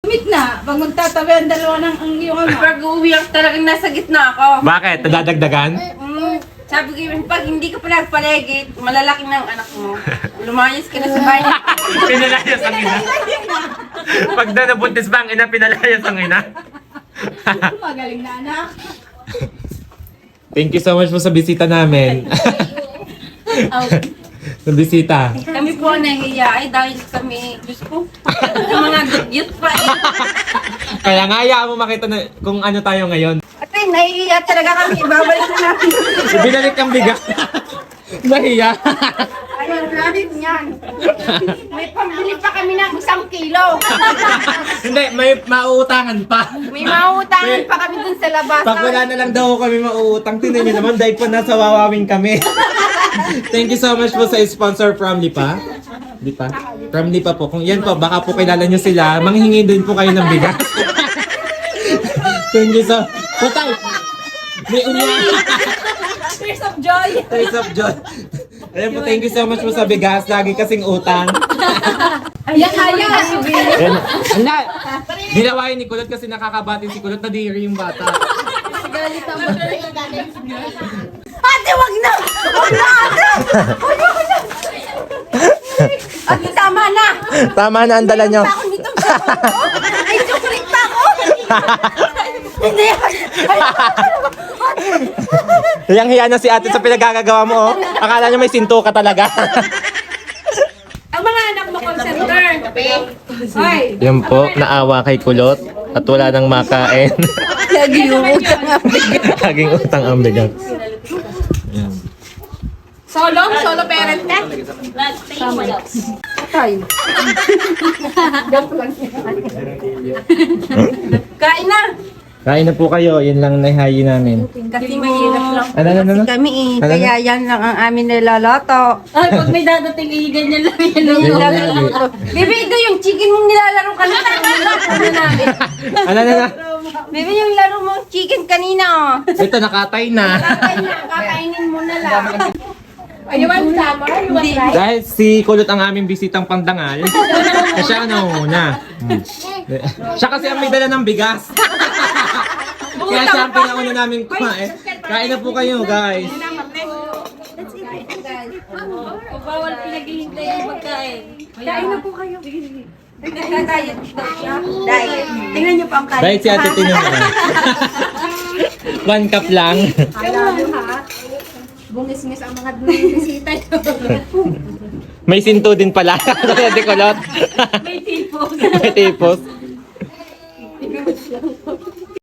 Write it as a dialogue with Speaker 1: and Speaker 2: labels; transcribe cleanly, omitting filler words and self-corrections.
Speaker 1: Meet na, pag magtatabi ang dalawa ng ang iyong ama.
Speaker 2: Pag uwiyak talagang nasa gitna ako.
Speaker 3: Bakit? Dadagdagan?
Speaker 2: Sabi ko, pag hindi ka pa nagpaligid, malalaki na ang anak mo. Lumayas ka na sa bahay.
Speaker 3: Pinalayas ang ina. Pag na nabuntis ba ang ina, pinalayas ang ina.
Speaker 1: Magaling na anak.
Speaker 3: Thank you so much po sa bisita namin. Sa bisita.
Speaker 2: Kami po nahihiya ay dahil kami, Diyos ko, yung mga dugyot pa eh.
Speaker 3: Kaya nga, hayaan mo makita na kung ano tayo ngayon.
Speaker 2: Ate, nahihiya talaga kami. Ibabalik na natin.
Speaker 3: Binalik ang bigas. Nahiya.
Speaker 2: Ayaw natin yan. May pambili pa kami ng 1 kilo.
Speaker 3: Hindi, may mauutangan pa.
Speaker 2: May mauutangan pa kami dun sa labas.
Speaker 3: Pag wala na lang daw kami mauutang, tinan nyo naman dahil po nasa wawawin kami. Thank you so much po sa sponsor from Lipa. Lipa? From Lipa po. Kung yan po, baka po kilala nyo sila, manghingi din po kayo ng bigas. Thank you so Patay! May unya!
Speaker 1: Tears of joy.
Speaker 3: Tears of joy. Ayan po, thank you so much po sa bigas. Lagi kasing utang.
Speaker 1: Ayan, ayan.
Speaker 3: Ayan. Ala! Dinawain ni Kulot kasi nakakabatin si Kulot, nadiri yung bata.
Speaker 2: Ate, wag na! Wag na, ate! Ate, tama na!
Speaker 3: Tama na ang dala nyo.
Speaker 2: Pa ako nitong chocolate. Ay, chocolate pa ako! Hindi!
Speaker 3: Yang hiya na si ate sa pinagagagawa mo, oh. Akala niya may sinto ka talaga.
Speaker 1: Ang mga anak mo, call center. Hoy.
Speaker 3: Yan po, naawa kay Kulot at wala nang makain.
Speaker 2: Lagi yung utang ang bigat.
Speaker 3: Laging utang ang bigat. Yan.
Speaker 1: Solo parent ka?
Speaker 2: Tay. Kain na!
Speaker 3: Kain na po kayo, yun lang nahihayi namin.
Speaker 2: Kasi mahirap lang.
Speaker 3: Ano?
Speaker 2: Kami eh.
Speaker 3: Ano?
Speaker 2: Kaya yan lang ang amin nilaloto.
Speaker 1: Ay, pag may dadating, ganyan lang yan.
Speaker 2: Yan lang ang Bibi, ito yung chicken mong nilalaro kanina. Ano namin?
Speaker 3: Ano?
Speaker 2: Bibi, yung laro mong chicken kanina oh.
Speaker 3: Ito, nakatay na.
Speaker 2: Kakainin mo na lang.
Speaker 1: You want summer? You want rice?
Speaker 3: Dahil si Kulot ang aming bisitang pandangal, siya ano muna. Siya kasi ang may dala ng bigas. Kaya siya ang pinauna namin kumain. Kain na po kayo, guys.
Speaker 1: Bawal pinaghihintay yung pagkain.
Speaker 2: Kain na po kayo. Nagka-diet daw siya. Diet. Tingnan niyo po ang kain.
Speaker 3: Dahil si Ate Tino naman. 1 cup lang.
Speaker 1: Bungis-ngis ang mga bisita nyo.
Speaker 3: May sinto din pala. Ate Kulot.
Speaker 1: May tipos.
Speaker 3: May tipos.